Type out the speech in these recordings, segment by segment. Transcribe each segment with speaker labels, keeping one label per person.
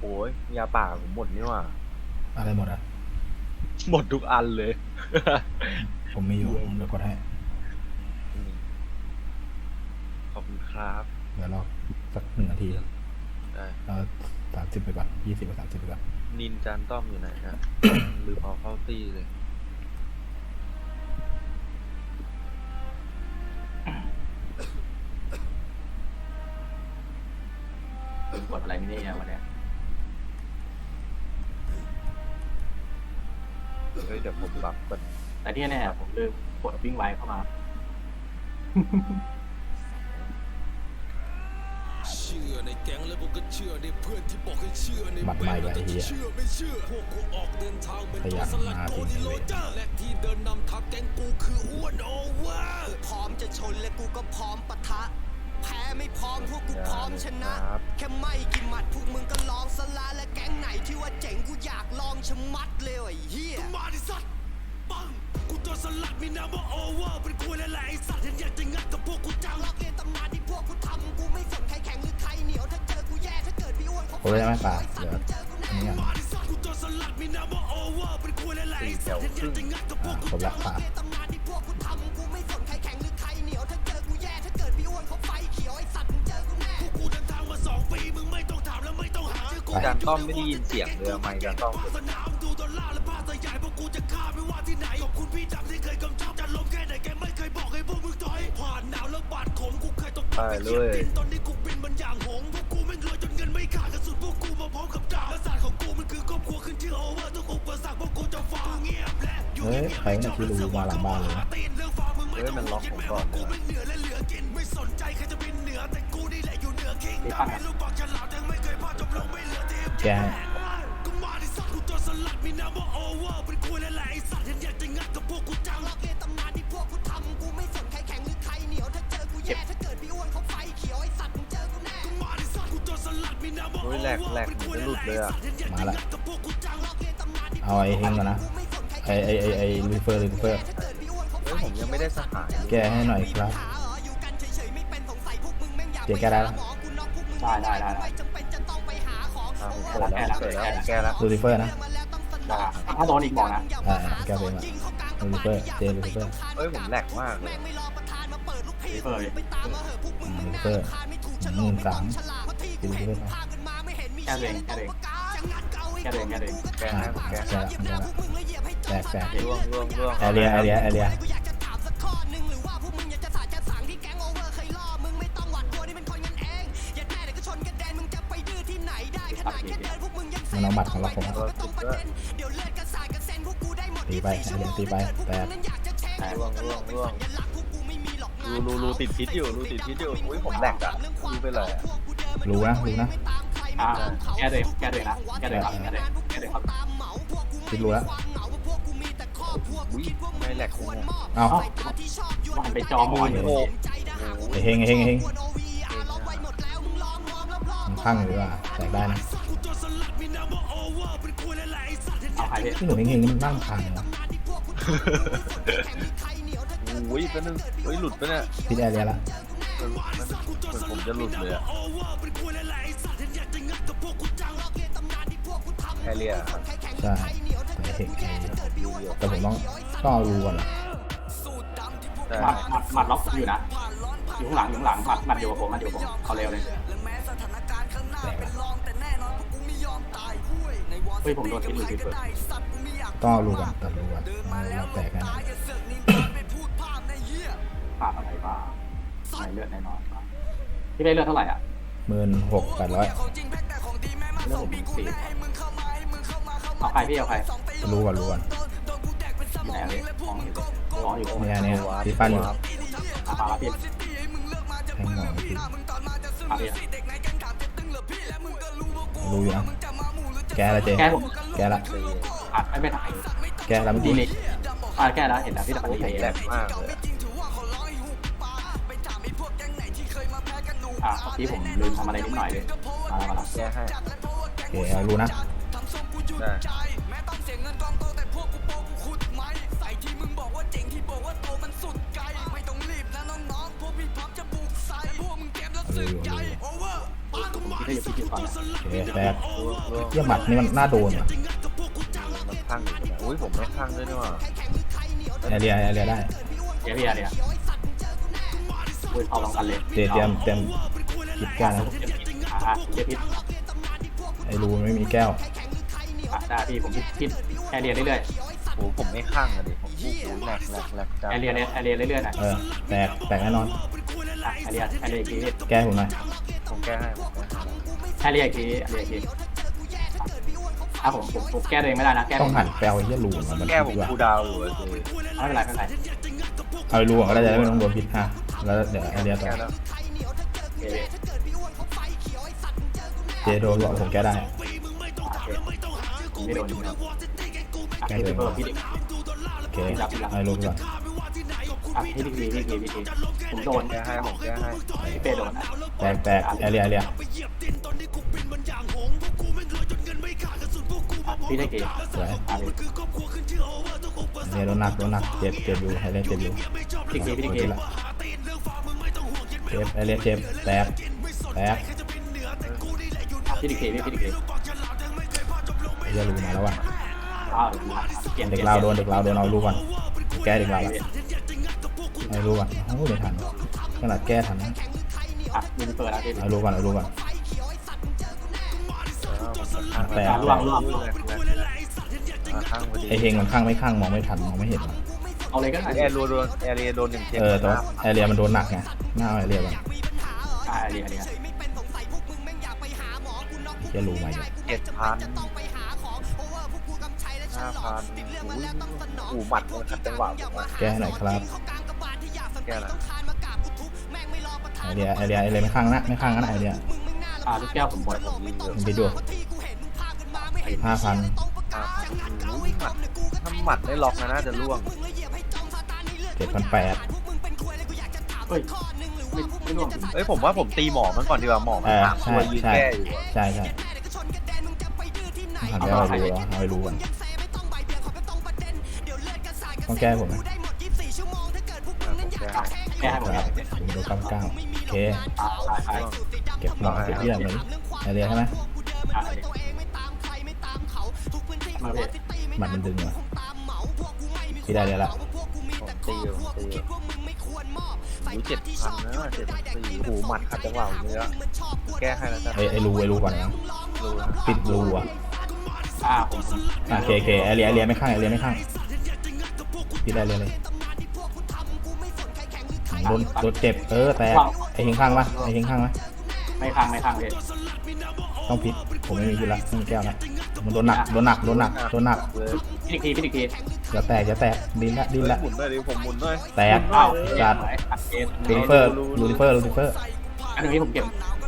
Speaker 1: อ้ยยาป่าผมหมดนี่หว่า
Speaker 2: อะไรหมดอ่ะ
Speaker 1: หมดทุกอันเลย
Speaker 2: ผมมีอยู่เดี๋ยวกดให้
Speaker 1: ขอบคุณครับ
Speaker 2: เดี๋ยวรอสัก1 นาที
Speaker 1: ได้
Speaker 2: เรา30ไปก่อน20กับ30ไปก่อน
Speaker 1: นินจานต้อมอยู่ไหนฮะ ลืมเอาเข้าตี้เลย
Speaker 3: กดอะไรไม่ได้วันเนี้ย
Speaker 1: เฮ้ยเดี๋ยวผมรับมัน
Speaker 3: แต่ที่แน่ๆผมลืมกดวิ่งไวเข้ามา
Speaker 4: เชื่อในแก๊งแล้วกูก็เชื่อในเพื่อนที่บอกให้เชื่อใน
Speaker 2: บัตรใหม่กับไอ้เหี้ย
Speaker 4: เชื่อไม่เชื่อพวกกูออกเดินทางเป็น
Speaker 2: ข
Speaker 4: ตัว
Speaker 2: ยัน
Speaker 4: สลัด
Speaker 2: มา
Speaker 4: โก
Speaker 2: จริง
Speaker 4: ดิโล
Speaker 2: เลย
Speaker 4: เจอร์และที่เดินนำทัพแก๊งกูคืออ้วนโอเวอร์
Speaker 5: พร้อมจะชนและกูก็พร้อมปะทะ แพ้ไม่พร้อมพวกกูพร้อมชนะ
Speaker 1: ครับ
Speaker 5: แค่ไม่กี่หมัดพวกมึงก็ลองสละและแก๊งไหนที่ว่าเจ๋งกูอยากลองชะมัดเลยไอ้เหี้ย
Speaker 4: มาดิสัตว์ปังกูตัวสลัดมีนามว่าโอเวอร์เป็นคุยและแหละไอสัตว์ฉันอยากจะงัดกับพวกกูจัง
Speaker 5: ล็อกเรียนตำนานที่พวกกูทำกูไม่สนใครแข็งหรือใครเหนียวถ้าเจอกูแย่ถ้าเกิดพี่อ้วนเขา
Speaker 2: โอ้ยไม่ป่า
Speaker 5: ไอ้สัต
Speaker 2: เดี๋ยว
Speaker 5: ว์มึงเจอกูแน่
Speaker 2: อันนี้ก่อน
Speaker 4: มาดิสัตว์กูตัวสลัดมีนามว่าโอเวอร์เป็นคุยและแหละไอสัตว์ฉันอยากจะงัดกับพวกกู
Speaker 2: ครบละป่า
Speaker 5: เรียนตำนานที่พวกกูทำกูไม่สนใครแข็งหรือใครเหนียวถ้าเจอกูแย่ถ้าเกิดพี่อ้วนเขาไฟเขียวไอ้สัตว์มึงเจอกูแน่
Speaker 4: พวกกูเดินทางมา2 ปีมึงไม่ต้องถามและไม่ต้องหา
Speaker 1: จานต้อมไม่ได้ยินเสียงเลยไม่จานต้อม
Speaker 4: สนามดูดอลลาร์และภาพใหญ่พวกกูจะฆ่าไม่ว่าที่ไหนขอบคุณพี่จำที่เคยกำชับจะล้มแค่ไหนแกไม่เคยบอกให้พวกมึงถอยผ่านหนาวแล้วบาดขมกูเคยตก
Speaker 1: ไปเลย
Speaker 4: ตอนนี้กูบินมันอย่างหงส์พวกกูแม่งรวยจนเงินไม่ขาดกระสุนพวกกูมาพร้อมกับดาบและศาสตร์ของกูมันคือครอบครัวขึ้นชื่อโอเวอร์ทุกอุปสรรคพวกกูจะฝ่าเงียบและอยู่
Speaker 2: เฮ้ยใครเนี่ยที่รู้มาหลังบ้านเลยนะ
Speaker 4: ตีนเรื่องฟ้ามึงไม่
Speaker 1: เฮ้ย
Speaker 4: ต้อง
Speaker 1: มันล็อกผมก่อน
Speaker 4: กู
Speaker 1: เลย
Speaker 4: ไม่เหนือและเหลือกินไม่สนใจใครจะบินเหนือแต่กูนี่แหละอยู่เหนือคิงดำเป็นลูกบอกฉลาดยังไม่เคยพลาดจบลงไม่เหลือทีม
Speaker 2: แก
Speaker 4: กูมาดิสัตว์กูตัวสลัดมีนามว่าโอเวอร์เป็นคุยและแหละไอสัตว์ฉันอยากจะงัดกับพวกกูจัง
Speaker 5: ล็อกเรียนตำนานที่พวกกูทำกูไม่สนใครแข็งหรือใครเหนียวถ้าเจอกูแย่ถ้าเกิดพี่อ้วนเขาไฟเขียวไอ้สัตว์มึงเจอกูแน่
Speaker 4: กูมาดิสัตว์กูตัวสลัดมีนามว่าโอ
Speaker 1: เฮ้ย
Speaker 4: เว
Speaker 1: แหล
Speaker 4: อก ร์
Speaker 1: แหลก
Speaker 4: เป็น
Speaker 1: เห
Speaker 4: คุ
Speaker 1: มือย นจะ
Speaker 4: และ
Speaker 1: หลุด
Speaker 4: แห
Speaker 1: เล
Speaker 4: ละ
Speaker 1: ย
Speaker 4: ไอ
Speaker 1: อะ
Speaker 4: สัตว์ฉันอยาก
Speaker 2: มา
Speaker 4: จะ
Speaker 2: ละ
Speaker 4: งัดกับพวกกูจัง
Speaker 5: ล็อกเรียนตำนานที่
Speaker 2: เอาไอ้เฮงก่อนนะไอ้รีเฟอร์
Speaker 5: ถ้าเกิดพี่อ้วนเขา
Speaker 1: เฮ้ยผมยังไม่ได้สหาย
Speaker 2: แกให้หน่อยครับ
Speaker 5: อยู่กันเฉยๆไม่เป็นสงสัยพวกมึงแม่งอยาก
Speaker 2: เดี๋ยวแกได้แล้ว
Speaker 5: หมอกูน็อกพวกมึง
Speaker 3: ได้
Speaker 5: ไม่จำเป็นจะต้องไปหาของ
Speaker 1: อ่าผมเปิดแล้วเปิดแล้วแกแล้ว
Speaker 2: ลูซิเฟอร์นะ
Speaker 3: ถ้าโดนอีกบอกนะ
Speaker 2: แกเป็นอะลูซิเฟอร์เจลูซิเฟอร์
Speaker 1: เฮ้ยผมแหลกมากเลย
Speaker 5: แม่งไม่รอประธานมาเปิดลูกพี่
Speaker 3: เปิด
Speaker 5: ไปตามมาเหอะพวกมึงแม่ง
Speaker 2: เปิ
Speaker 5: น่า
Speaker 2: ด
Speaker 5: รำคาญไม่ถูกฉล
Speaker 2: หมื่
Speaker 5: ก
Speaker 2: น
Speaker 5: ไม่
Speaker 2: สา
Speaker 5: ต้อ
Speaker 2: ม
Speaker 5: งฉลาดเพราะที่กูเห็นพากันมาไม่เห็นมี
Speaker 3: แค่เอง
Speaker 5: เชี่ย
Speaker 3: แค่เอง
Speaker 5: จะงัดเกาให้
Speaker 3: แค่เองแค่เอง
Speaker 1: แกนะแก
Speaker 2: แกละ
Speaker 5: เหยียบหน้าพวกมึงแล้วเหยียบให้จม
Speaker 2: แตก
Speaker 1: ร่วงร่วงร่วง
Speaker 2: แอเรีย
Speaker 5: กูอยากจะถามสักข้อหนึ่งหรือว่าพวกมึงอยากจะสาดจะสั่งที่แก๊งโอเวอร์เคยล่อมึงไม่ต้องหวั่นกลัวนี่เป็นคนกันเองอย่าแน่เดี๋ยวก็ชนกันแดนมึงจะไปดื้อที่ไหนได้ขนาดแค่เดินพวกมึงยังเซ
Speaker 2: มันเอาบัตรของเราผม
Speaker 5: ไม่ต้องประเด็นเดี๋ยวเลือดกระสายกระเซ็นพวกกูได้หมด
Speaker 2: ตีไป
Speaker 5: 24ชั่วโมง
Speaker 2: ตีไป
Speaker 5: ถ้าเกิดพวก
Speaker 2: แต
Speaker 5: มึ
Speaker 2: ก
Speaker 5: งนั้นอยากจะแชร์ให้พวกตลกเป็นสัญลักษณ์พวกกูไม่มีหรอกงาน
Speaker 1: รูติดพิษอยู่รูติดพิษอยู่อุ้ยผมแหลกอ่ะรูไปเลยอะ
Speaker 2: รู้นะ
Speaker 3: อ่าแค่เองแค่เองนะแค่เองครับแค่เองแค่เองครับ
Speaker 2: คิดรู้แล้ว
Speaker 1: อุ้ยไม่แหลกเลยอะ
Speaker 2: เอา
Speaker 3: ว่าหันไปจอมือ
Speaker 1: โอ้โห
Speaker 2: ไอ้เฮงมันพังหรือว่าแตกได้นะ
Speaker 3: เอาใครพี่
Speaker 2: ที่หนูเฮงนี่มันนั่งพังนะ
Speaker 1: อุ้ยแป๊บนึงเฮ้ยหลุดปะเนี่ย
Speaker 2: พิษแอเรียละ
Speaker 1: เหมือนผมจะหลุดเลยอะแคเรียครับ
Speaker 2: ใช่แต่เฮงแต่ผมต้องเอารูก่อนเหรอ
Speaker 1: ใช่
Speaker 3: หมัดล็อกอยู่นะอยู่ข้างหลังหมัดอยู่กับผมเอาเร็วเลย
Speaker 2: แตกละ
Speaker 3: เฮ้ยผมโดนทิ้งเลยพี่เปิด
Speaker 2: ต้องเอารูก่อนตัดรูก่อนเราแตกกัน
Speaker 3: ขาดอะไรบ้างในเลือดแน่นอนพี่ได้เลือดเท่าไหร่อ่ะ
Speaker 2: 16,800
Speaker 3: เลือดผม4เอาใครพี่เอาใคร
Speaker 2: รูก่อน
Speaker 3: อยู่ไหนเลยมองอยู่
Speaker 2: เนี่ยที่ฟันอยู่
Speaker 3: มาแล้วพี่
Speaker 2: แทงหมอพี่
Speaker 3: มาพี่
Speaker 2: รูอยู่นะแกละเจ
Speaker 3: แก้ผม
Speaker 2: แกละ
Speaker 3: ไม่ถ่าย
Speaker 2: แกละเมื่อ
Speaker 3: ดี
Speaker 2: กี้
Speaker 3: นี่แก้แล้วเห็นแล้วพี่ตะ
Speaker 1: โอ้
Speaker 3: วัน
Speaker 1: ผม
Speaker 3: ดี
Speaker 1: แหลกมากเลยอะ
Speaker 3: เมื่อกี้ผมลืมทำอะไรนิดหน่อยเลยมาแล้ว
Speaker 1: แกให้
Speaker 2: โอเคเอารูนะ
Speaker 1: ได้
Speaker 2: เอารูอยู่
Speaker 6: ได้อยู่พี่ก่อนนะ
Speaker 2: โอเคแตก
Speaker 1: ร่วง
Speaker 2: เยี่ยหมัดนี่มันน่าโดนอ่ะ
Speaker 1: มันข้างอยู่นะอุ้ยผมไม่ข้างด้วยนี่หว่า
Speaker 2: แอเรียได้
Speaker 6: เดี๋ยวพี่เดี๋ยวคุยเอาลองกันเลย
Speaker 2: เตรียมหยิบแก้วนะ
Speaker 6: เดี๋ยวพิษ
Speaker 2: ไอ้รูไม่มีแก้ว
Speaker 6: ได้พี่ผมพิษแอเรียเรื่อย
Speaker 1: โอ้ผมไม่ข้างอะดิผมพูดแหลกจั
Speaker 6: ๆ
Speaker 1: ง
Speaker 6: แอเรียเรื่อยๆหน่อย
Speaker 2: แตกแน่นอน
Speaker 6: แอเรียอีกที
Speaker 2: แก้ผมหน่อย
Speaker 1: ผมแก้ให้
Speaker 6: แอเรียอีกทีถ้าผมแก้ตัวเองไม่ได้นะแก้
Speaker 2: ต้องหันแปลวไอ้เหี้ยรูมัน
Speaker 1: แก้ผม
Speaker 2: ดีกว่า
Speaker 1: คูดาวอยู่อะสิ
Speaker 6: ไม่เป็นไร
Speaker 2: เอาไอ้รูก็ได้จะได้ไม่ต้องโดนพิษแล้วเดี๋ยวแอเรียต่อ
Speaker 1: แก้แล้ว
Speaker 2: เจโดนบอกผมแก้ได้
Speaker 6: ไม่โดน
Speaker 2: แก้ตัวเอง
Speaker 6: พี่เด็ก
Speaker 2: โอเคไอ้รูก่อน
Speaker 6: พี่ดีผมโดน
Speaker 1: แก้ให้ผมแก้ให้
Speaker 6: พี่เป้โดน
Speaker 2: แตกแอเรีย
Speaker 6: พี่ได้เกม
Speaker 2: สวยแอเรียโดนหนักเจ็บอยู่แอเรียเจ็บอยู่
Speaker 6: พี่ได้เกม
Speaker 2: เจ็บแอเรียเจ็บแตก
Speaker 6: พี่ได้เกม
Speaker 2: ไอ้เหี้ยรูมาแล้วว่ะ
Speaker 6: เปลี่ยน
Speaker 2: เด็กเราโดนเอารูก่อนแก้เด็กเราละไอ้รูก่อนโอ้ไม่ทันขนาดแก้ทันนะ
Speaker 6: ยิงเปิดแล้วพี่
Speaker 2: เอารูก่อนแต่
Speaker 6: ล่วง
Speaker 1: ข้างพอดี
Speaker 2: ไอเฮงมันข้างไม่ข้างมองไม่ทันมองไม่เห็น
Speaker 6: เอาเลยก็ได้
Speaker 1: แอร์โดนแอร์เรียโดน1 เจ็บ
Speaker 2: แต่ว่าแอเรียมันโดนหนักไงหน้าแอเรียมัน
Speaker 6: เรีย
Speaker 2: เหี้ยรูมาอยู่
Speaker 1: 7,000 5,000หูหมัดมันขัดจังหวะผมอะ
Speaker 2: แก้ให้หน่อยครับ
Speaker 1: แก้แล้ว
Speaker 2: ไอเรียไม่ข้างนะไอเรีย
Speaker 6: ลูกแก้วผมหมด
Speaker 2: มันไปดู 5,000
Speaker 1: ถ้าหมัดไม่ล็อกนะน่าจะล่วง
Speaker 2: 7,800
Speaker 6: เฮ้ยไม่ร่วง
Speaker 1: เอ้ยผมว่าผมตีหมอมันก่อนดีกว่าหมอมันถามตัวยืนแก้อยู่อะ
Speaker 2: ใช่หันไปเอาไอ้รูก่อนต้องแก้ผมนะ
Speaker 6: แก้ให้หมด
Speaker 2: ครับผมโดน99โอเคเก็บหมอเก็บเยี่ยมเลยไอเรียใช่ไหม
Speaker 6: มาพี่
Speaker 2: หมัดมันดึงว่ะพี่ได้เลยละ
Speaker 1: ผมตีอยู่7,000นะ7,400หูหมัดขัดจังหวะผมเลยอะแก้ให้แล้วกัน
Speaker 2: ไอรูก่อนนะ
Speaker 1: รู้นะ
Speaker 2: ปิดรูอ่ะ
Speaker 6: ผม
Speaker 2: โอเคไอเรียไม่ข้างพี่ได้เลยโดนเจ็บแต่ไอเฮงข้างปะ
Speaker 6: ไม่ค้างพี่
Speaker 2: ต้องพิษผมไม่มีพิษละไม่มีแก้วละมันโดนหนัก
Speaker 1: เลย
Speaker 6: พี่ดีกี
Speaker 2: อย่าแตกดิ้นละ
Speaker 1: หมุนด้วยดิผมหมุนด้วย
Speaker 2: แตกจัดลูซิเฟอร์
Speaker 6: อันนี้ผมเก็บ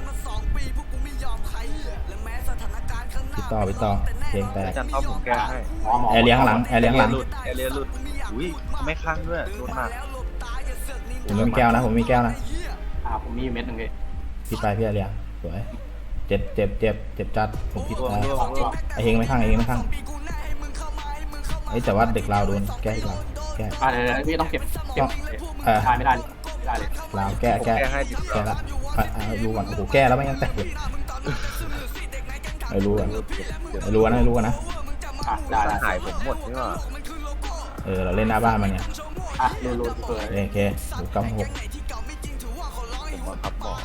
Speaker 2: ปิดต่อเพลงแตก
Speaker 1: อาจารย์ท็อปผมแก้ให้
Speaker 2: แอร์เลี้ยงหลัง
Speaker 1: แอร์เรียหลุดอุ้ยไม่ข้างด้วยโดนหนัก
Speaker 2: ผมไม่มีแก้วนะ
Speaker 6: ผมมีเม็ดนึงเลย
Speaker 2: พิษไปพี่แอร์เลี้ยงสวยเจ็บจัดผมพิษไป
Speaker 1: ร่วง
Speaker 2: ไอเฮงไม่ข้างแต่ว่าเด็กเราโดนแก้ที่เราแก้
Speaker 6: เดี๋ยวพี่ต้องเก็บไม่ได้เลย
Speaker 2: เราแก้
Speaker 1: แก้ให้ดิ
Speaker 2: ละดูก่อนโอ้โหแก้แล้วไม่งั้นแตกเลยไอ้รู้กันนะ
Speaker 6: ได้
Speaker 1: หายผมหมดนี่หว่า
Speaker 2: เราเล่นหน้าบ้านมันเนี่ย
Speaker 6: รูเปิด
Speaker 2: โอเค96
Speaker 1: ผมมาขับหมอ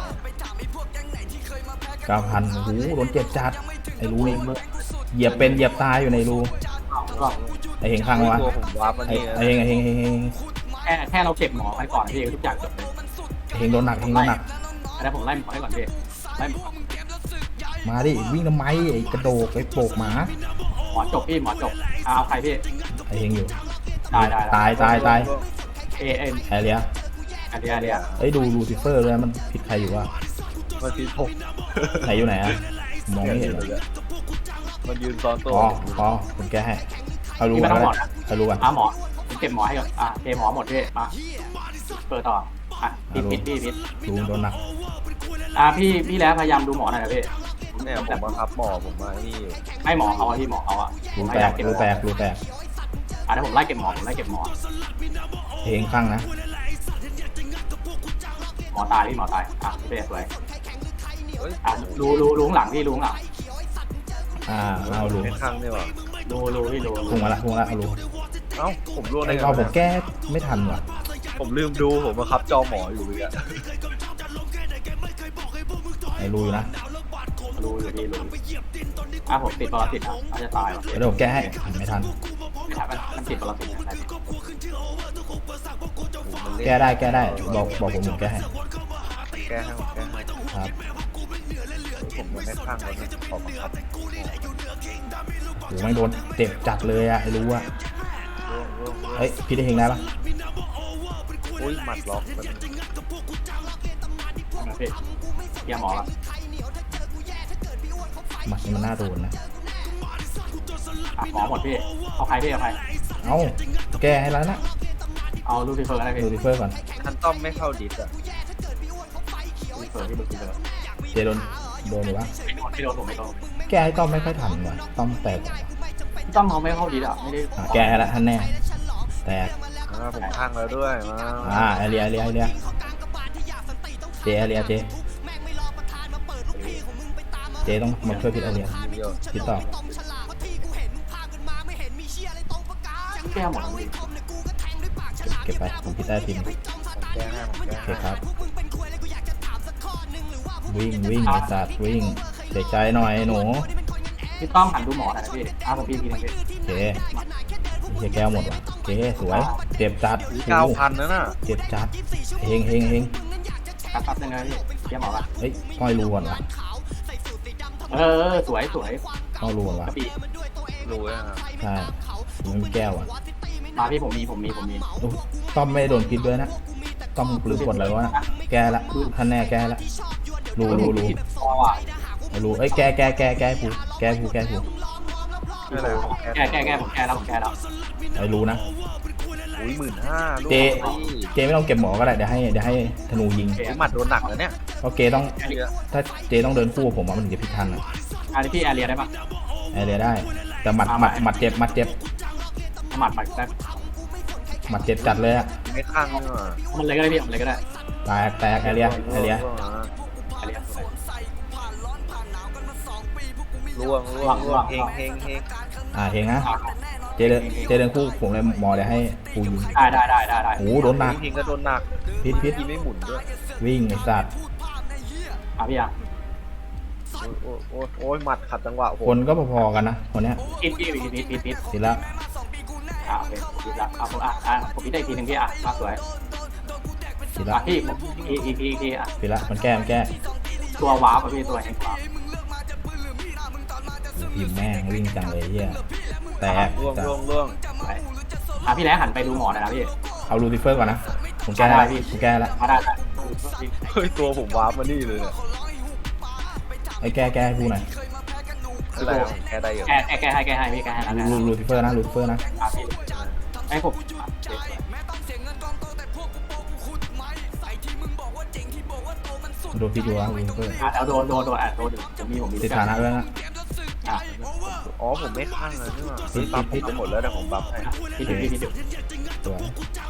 Speaker 2: 9,000โอ้โหโดนเจ็บจัดไอ้รู้นี่เหยียบเป็นเหยียบตายอยู่ในรูไอ้เฮงข้างวะ
Speaker 1: ตัวผมวาร์ปมา
Speaker 2: ไอ้
Speaker 1: นี่
Speaker 2: เฮง
Speaker 6: แค่เราเก็บหมอไปก่อนพี่ทุกอย่างจบเลย
Speaker 2: เฮงโดนหนัก
Speaker 6: แล้วผมไล่หมอให้ก่อนพี่ไล่หมอ
Speaker 2: มาดิวิ่งทำไมไอ้กระโดกไอ้โปกหมา
Speaker 6: หมอจบพี่หมอจบเอาใครพี่
Speaker 2: ไอ้เฮงอยู่
Speaker 6: ได้
Speaker 2: ตาย
Speaker 6: เอ
Speaker 2: แอเรีย ไอ้ดูลูซิเฟอร์เลยมันผิดใครอยู่วะ
Speaker 1: มันตีผม
Speaker 2: ไหนอยู่ไหนอะมองไม่เห็นเลย
Speaker 1: มันยืนซ้อนตัว
Speaker 2: ผมแก้ให้เอารู้กันเอารู้กัน
Speaker 6: หมอผมเก็บหมอให้ก่อนเกหมอหมดพี่มาเปิดต่อพิษ
Speaker 2: รู้โดนหนัก
Speaker 6: พี่แล้วพยายามดูหมอหน่อยนะพี่
Speaker 1: เนี่ยผมมาขับหมอผมมานี่อยู่
Speaker 6: ให้หมอเขาที่หมอเขา
Speaker 2: รูแตก
Speaker 6: ถ้าผมไล่เก็บหมอ
Speaker 2: เฮงข้างนะ
Speaker 6: หมอตายพี่หมอตายพี่เป้สวย
Speaker 1: ฮ้ย
Speaker 6: รู้ข้างหลังพี่รู้ข้างหลัง
Speaker 2: เอารู
Speaker 1: ไม่ข้างนี่หว่า
Speaker 6: รู้พี่รู้
Speaker 2: พุ่งมาละเอารู
Speaker 1: เอ้าผมร่วงได้
Speaker 2: ไอ้
Speaker 1: ไง
Speaker 2: เอาผม
Speaker 1: วะ
Speaker 2: แก้ไม่ทันว่ะ
Speaker 1: ผมลืมดูผมมาคับจอหมออยู่เลยอะ
Speaker 2: ไอ้รูอยู่นะ
Speaker 6: รู้อยู่พี่รู้ผมติดปรสิตนะอาจจะตายว่ะ
Speaker 2: เดี๋ยวผมแก้ให้ไม่ทัน
Speaker 6: ไม่ทันมันติดปรสิตนะ
Speaker 2: แก้ได้บอกผมแก้ให้
Speaker 1: แก้ให้ผมแก้ให้
Speaker 2: ครับ
Speaker 1: ผมยังไม่ข้างเลยขอบังคับ
Speaker 2: โหไม่โดนเจ็บจัดเลยอะไอ้รู้อะ
Speaker 1: ร่วง
Speaker 2: เฮ้ยพี่ได้เฮงได้ปะ
Speaker 1: อุ้ยหมัดล็อกมัน
Speaker 6: นะพี่เกียร์หมอละ
Speaker 2: หมัดนี่มันน่าโดนนะ
Speaker 6: หมอหมดพี่เอาใครพี่เอาใคร
Speaker 2: เอาแก้ให้แล้วนะ
Speaker 6: เอาลูซิเฟอร์อะไรพี่
Speaker 2: ลูซิเฟอร์ก่อน
Speaker 1: คันต้อมไม่เข้าดิสอะ
Speaker 6: ลูซิเฟอร์พี่ลูซิเฟอร์
Speaker 2: เจโดนหรือวะ
Speaker 6: ไม่โดนผมไม่โดน
Speaker 2: แก้ให้ต้อมไม่ค่อยทันว่ะต้อมแตก
Speaker 6: ต้องเขาไม่เข้าดีอ่ะไม่ได้
Speaker 2: แก้ให้ละท่านแน่แตก
Speaker 1: ผมข้างแล้วด้วยมา
Speaker 2: ไอเลียเจไอเลียเจต้องมาช่วยพิษไอเลียพิษต่อ
Speaker 6: แก้หมดเลย
Speaker 2: เก็บไปผมพิษได้ทีม
Speaker 1: แก้ให้ผมแก้
Speaker 2: โอเค
Speaker 1: ให้
Speaker 2: ครับวิ่งไอ้สัตว์วิ่งเสียใจหน่อยหนู
Speaker 6: พี่ต้องหันดูหมอหน่อยนะพี่ผมพี่ทีนึงพี่
Speaker 2: โอเคเฮียแก้วหมดว่ะโอเคสวยเจ็บจัด
Speaker 1: 9,000นะน่ะ
Speaker 2: เจ็บจัดเฮง
Speaker 6: ครับยังไงพี่เกียร์หมอละ
Speaker 2: เฮ้ยป้อยรูก่อนวะ
Speaker 6: สวย
Speaker 2: ป้อยรูก่อนวะ
Speaker 6: พี่
Speaker 1: รู้อะครับ
Speaker 2: ใช่ผมมีแก้วอ่ะ
Speaker 6: มาพี่ผมมี
Speaker 2: อุ๊ยต้อมไม่โดนพิษด้วยนะต้อมลืมกดอะไรวะแก้ละท่านแน่แก้ละรู
Speaker 6: พอว่ะ
Speaker 2: รูเอ้ยแก้ผู
Speaker 1: ไม่เป็นไรผมแก้
Speaker 6: แก้ผมแก้แล้ว
Speaker 2: ไอ้รู้นะ
Speaker 1: อุ้ย15,000ลูก
Speaker 2: เจไม่ต้องเก็บหมอก็ได้เดี๋ยวให้ธนูยิง
Speaker 1: หมัดโดนหนักแล้วเนี่ย
Speaker 2: เพราะเจต้องถ้าเจต้องเดินคู่กับผมมันถึงจะพิษทันอ่ะ
Speaker 6: อันนี้พี่แอเรียได้ปะ
Speaker 2: ไอเรียได้ แต่หมัดเจ็บ
Speaker 6: หมัดได้
Speaker 2: หมัดเจ็บจัดเลยอ่ะ
Speaker 1: ไม่ข้างนี่หว่า
Speaker 6: มันเลยก็ได้พี่มันเลยก็ได้
Speaker 2: แตกไอเรีย
Speaker 1: ร่วงเฮง
Speaker 2: เฮงนะเจเดินคู่ผมเลยหมอเดี๋ยวให้กูยิง
Speaker 6: ได้
Speaker 2: โอ้โดนหนัก
Speaker 1: เฮงก็โดนหนัก
Speaker 2: พิษ
Speaker 1: ทีไม่หมุนด้วย
Speaker 2: วิ่งไอ้สัตว์
Speaker 6: พี่อ่ะ
Speaker 1: โอ้ยหมัดขัดจังหวะ
Speaker 2: คนก็พอๆกันนะคนเนี้ย
Speaker 6: พิษ
Speaker 2: ทีละ
Speaker 6: โอเคพิษละผมพิษได้ทีนึงพี่มาสวย
Speaker 2: ทีละ
Speaker 6: พี่อีก
Speaker 2: ทีละมันแก้
Speaker 6: ตัววาร์ปพี่ตัวแห่งวาร์ป
Speaker 2: พิมแม่งวิ่งจังเลยเฮียแตก
Speaker 1: ร่วง
Speaker 6: พี่แล้หันไปดูหมอหน่อยนะพี่
Speaker 2: เอาลูซิเฟอร์ก่อนนะผมแก้แล้ว
Speaker 6: มาได้
Speaker 1: เฮ้ยตัวผมวาร์ปมานี่เลยเนี่ย
Speaker 2: ไอ้แก้ให้กูหน่อย
Speaker 1: อะไรแก้ได้อยู่
Speaker 6: แก้ให้พี่แก้ให้แล้ว
Speaker 2: ลูซิเฟอร์นะ
Speaker 6: ไอ้ผม
Speaker 2: โดนพิษอยู่แล้วลูซิเฟอร์
Speaker 6: แล้วโดนผมมี
Speaker 2: ติดฐานะด้วยนะ
Speaker 1: อ๋อผมไม่ข้างเลยนี่หว่าบัฟไปหมดแล้วแต่ผมบัฟให้
Speaker 6: พี่
Speaker 2: สวย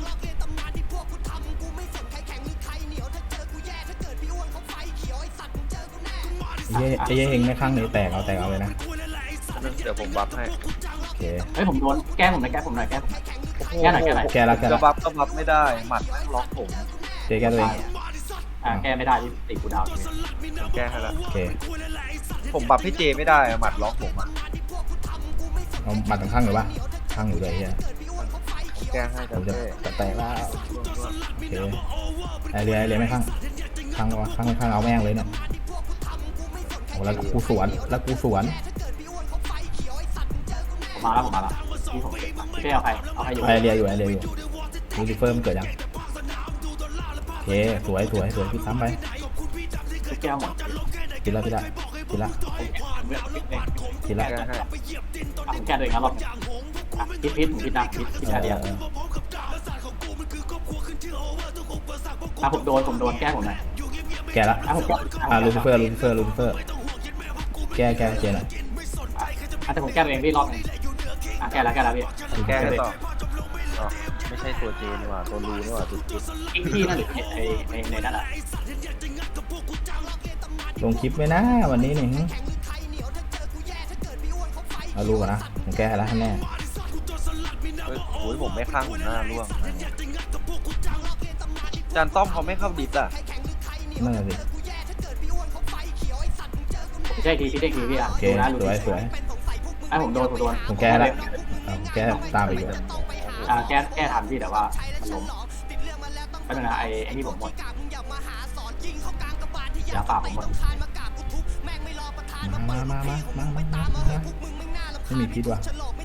Speaker 2: ไอ้เฮงไม่ข้างนี้แตกเอาเลยนะ
Speaker 1: เดี๋ยวผมบัฟให้
Speaker 2: โอเค
Speaker 6: เฮ้ยผมโดนแก้ผมหน่อยแก้ผมหน่อย
Speaker 2: แก้แล้ว
Speaker 1: จะบัฟก็บัฟไม่ได้หมัดล็อกผม
Speaker 2: เจแก้ตัวเอง
Speaker 6: แก้ไม่ได้ที่ติดกูดาว
Speaker 1: แก้ให้แล้ว
Speaker 2: โอเค
Speaker 1: ผมบัฟให้เจไม่ได้หมัดล็อกผมอ่ะ
Speaker 2: เอามาตั้งข้างหรือวะข้างอยู่เลยเฮีย
Speaker 1: แก้ให้
Speaker 2: ผมจะ
Speaker 1: แต่
Speaker 2: แตกแล้วโอเคไอเรียไม่ข้างเอาแม่งเลยเนี่ยโอ้แล้วกูสวน
Speaker 6: ผมมาแล้วพี่ผมแก้เอาใครอยู่
Speaker 2: ไอเรียอยู่ลูซิเฟอร์มันเกิดยังโอเคสวยพี่ซ้ำไป
Speaker 6: แก้หมด
Speaker 2: ทีละ
Speaker 1: แก้ให้
Speaker 6: ผมแก้ตัวเองแล้วรอบพิษเดียวผมโดนแก้ผมหน่อย
Speaker 2: แกละลูซิเฟอร์แก้เจหน่อย
Speaker 6: แต่ผมแก้ตัวเองพี่รอบนึงแก้แล้วพี่
Speaker 1: แก้ต่อไม่ใช่ตัวเจนี่หว่าตัวรูนี่หว่าจุด
Speaker 6: ที่นั่นหรือในนั่นอ่ะ
Speaker 2: โดลงคลิปไว้นะวันนี้นี่เอารู้ก่อนนะผมแก้แล้วแน่
Speaker 1: เฮ้ยโอ้ยผมไม่ข้างผมหน้าร่วงจานต้อมเขาไม่เข้าดิสอ่ะ
Speaker 2: นั่นแหละสิ
Speaker 6: ผมใช่ทีพี่ได้ทีพี่อ่ะ
Speaker 2: โอเค
Speaker 6: ดูนะ
Speaker 2: สวยสวย
Speaker 6: ไอ้ผมโดน
Speaker 2: ผมแก้แล้วผมแก้ตามไปอยู่
Speaker 6: แก้ทันพี่แต่ว่ามันล้มไม่เป็นไรไอ้นี่ผมหมดยาป่าผมหมด
Speaker 2: มาไม่มีพิษว่ะ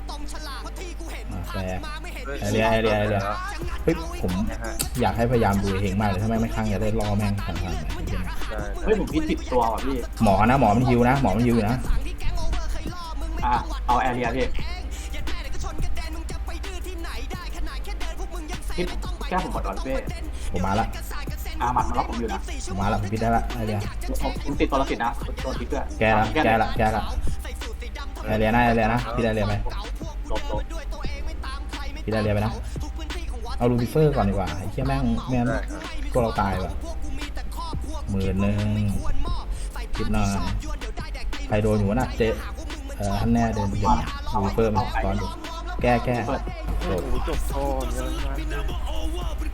Speaker 2: แต่ไอเรียเฮ้ยผมอยากให้พยายามดูเฮงมากเลยถ้าแม่งไม่ข้างอย่าได้ล่อแม่งสังหาร
Speaker 6: เฮ้ยผมพิษติดตัวว่ะพี่
Speaker 2: หมอนะหมอมันฮิวนะหมอมันฮิวอยู่นะ
Speaker 6: เอาแอเรียพี่พิษแก้ผมหมดก่อนพี่
Speaker 2: ผมมาละ
Speaker 6: หมัดมันล็อกผมอยู่นะ
Speaker 2: ผมมาละผมพิษได้ละไอเรีย
Speaker 6: ผมติดตัวละสินะโดนพิษด้วย
Speaker 2: แก้ละไอเรียนะพี่ได้เรียไป
Speaker 6: ลบ
Speaker 2: พี่ได้เรียไปนะเอาลูซิเฟอร์ก่อนดีกว่าไอ้เหี้ยแม่งพวกเราตายว่ะ10,000คิดหน่อยใครโดนอยู่วะน่ะเจ๊ท่านแน่เดินเดี๋ยวลูซิเฟอร์มันตอนดูแก้
Speaker 6: เปิด
Speaker 1: โอ้โหจบโทษเยอะมาก